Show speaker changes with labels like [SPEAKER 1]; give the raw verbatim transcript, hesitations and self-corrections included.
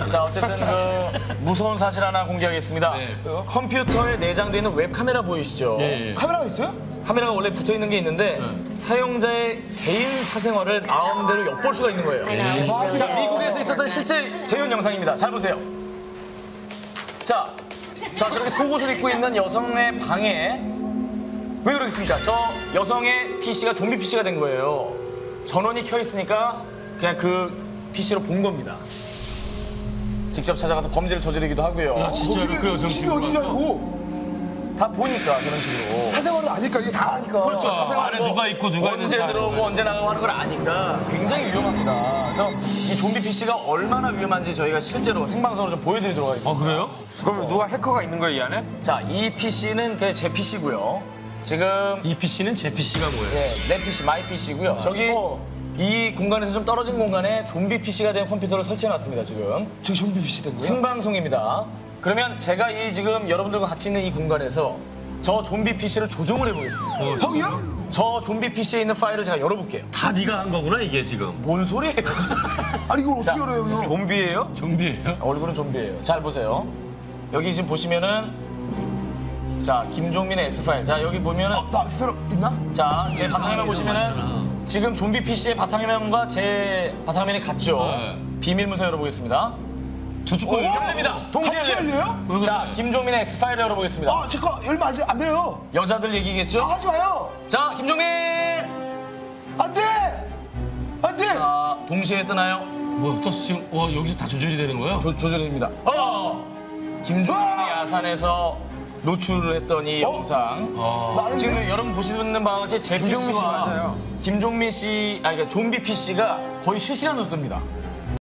[SPEAKER 1] 않아요.
[SPEAKER 2] 자, 어쨌든 그 무서운 사실 하나 공개하겠습니다.
[SPEAKER 1] 네.
[SPEAKER 2] 컴퓨터에 내장되어 있는 웹카메라 보이시죠?
[SPEAKER 1] 예, 예.
[SPEAKER 3] 카메라가 있어요?
[SPEAKER 2] 카메라가 원래 붙어 있는 게 있는데 사용자의 개인 사생활을 마음대로 엿볼 수가 있는 거예요. 자, 미국에서 있었던 실제 재현 영상입니다. 잘 보세요. 자, 자 저렇게 속옷을 입고 있는 여성의 방에 왜 그러겠습니까? 저 여성의 피씨가 좀비 피씨가 된 거예요. 전원이 켜 있으니까 그냥 그 피씨로 본 겁니다. 직접 찾아가서 범죄를 저지르기도 하고요.
[SPEAKER 1] 야, 진짜로 그 여성
[SPEAKER 3] 집이
[SPEAKER 1] 집으로
[SPEAKER 3] 어딘지
[SPEAKER 1] 가서?
[SPEAKER 3] 알고
[SPEAKER 2] 다 보니까 저런 식으로.
[SPEAKER 3] 사생활을 아니까 이게 다 아니까.
[SPEAKER 2] 그렇죠.
[SPEAKER 1] 아,
[SPEAKER 2] 사생활
[SPEAKER 1] 안에
[SPEAKER 2] 뭐
[SPEAKER 1] 누가 있고 누가
[SPEAKER 2] 언제
[SPEAKER 1] 있는지
[SPEAKER 2] 들어오고
[SPEAKER 1] 아는
[SPEAKER 2] 언제 나가고 하는 걸 아니까 굉장히 위험합니다. 그래서 이 좀비 피씨가 얼마나 위험한지 저희가 실제로 생방송으로 좀 보여드리도록 하겠습니다.
[SPEAKER 1] 아, 그래요?
[SPEAKER 4] 그럼 누가 해커가 있는 거예요, 이 안에?
[SPEAKER 2] 자, 이 피씨는 그 제 피씨고요. 지금
[SPEAKER 1] 이 피씨는 제 피씨가 뭐예요?
[SPEAKER 2] 네, 내 피씨, 마이 피씨고요. 저기 이 공간에서 좀 떨어진 공간에 좀비 피씨가 된 컴퓨터를 설치해놨습니다, 지금.
[SPEAKER 3] 저기 좀비 비시 된 거야?
[SPEAKER 2] 생방송입니다. 그러면 제가 이 지금 여러분들과 같이 있는 이 공간에서 저 좀비 피씨를 조종을 해보겠습니다.
[SPEAKER 1] 어,
[SPEAKER 3] 형이요?
[SPEAKER 2] 저 좀비 피씨에 있는 파일을 제가 열어볼게요.
[SPEAKER 1] 다 네가 한 거구나, 이게 지금.
[SPEAKER 2] 뭔 소리예요, 지금?
[SPEAKER 3] 아니 이걸 어떻게 열어요, 형?
[SPEAKER 2] 좀비예요?
[SPEAKER 1] 좀비예요?
[SPEAKER 2] 얼굴은 좀비예요. 잘 보세요. 여기 지금 보시면은 자, 김종민의 X파일. 자, 여기 보면은
[SPEAKER 3] 나 스페러 있나?
[SPEAKER 2] 자, 제 바탕화면 보시면은
[SPEAKER 1] 많잖아.
[SPEAKER 2] 지금 좀비 피씨의 바탕화면과 제 바탕화면이 같죠?
[SPEAKER 1] 네.
[SPEAKER 2] 비밀 문서 열어보겠습니다.
[SPEAKER 1] 저쪽 거
[SPEAKER 2] 열립니다. 동시에
[SPEAKER 3] 같이
[SPEAKER 2] 열려요.
[SPEAKER 3] 열려요?
[SPEAKER 2] 자, 김종민의 X파일 열어보겠습니다.
[SPEAKER 3] 아, 잠깐 열면 안, 돼- 안 돼요.
[SPEAKER 2] 여자들 얘기겠죠?
[SPEAKER 3] 아, 하지 마요.
[SPEAKER 2] 자, 김종민!
[SPEAKER 3] 안 돼! 안 돼!
[SPEAKER 2] 자, 동시에 뜨나요?
[SPEAKER 1] 뭐야, 떴어 지금? 와, 여기서 다 조절이 되는 거야?
[SPEAKER 2] 조, 조절입니다. 어! 김종민이 야산에서 노출을 했던 이 영상.
[SPEAKER 3] 나는
[SPEAKER 2] 지금 여러분 보시는 바와 같이 제
[SPEAKER 4] 김종민 씨
[SPEAKER 2] 피씨와
[SPEAKER 4] 맞아요.
[SPEAKER 2] 김종민 씨, 아니 그러니까 좀비 피씨가 거의 실시간으로 뜹니다.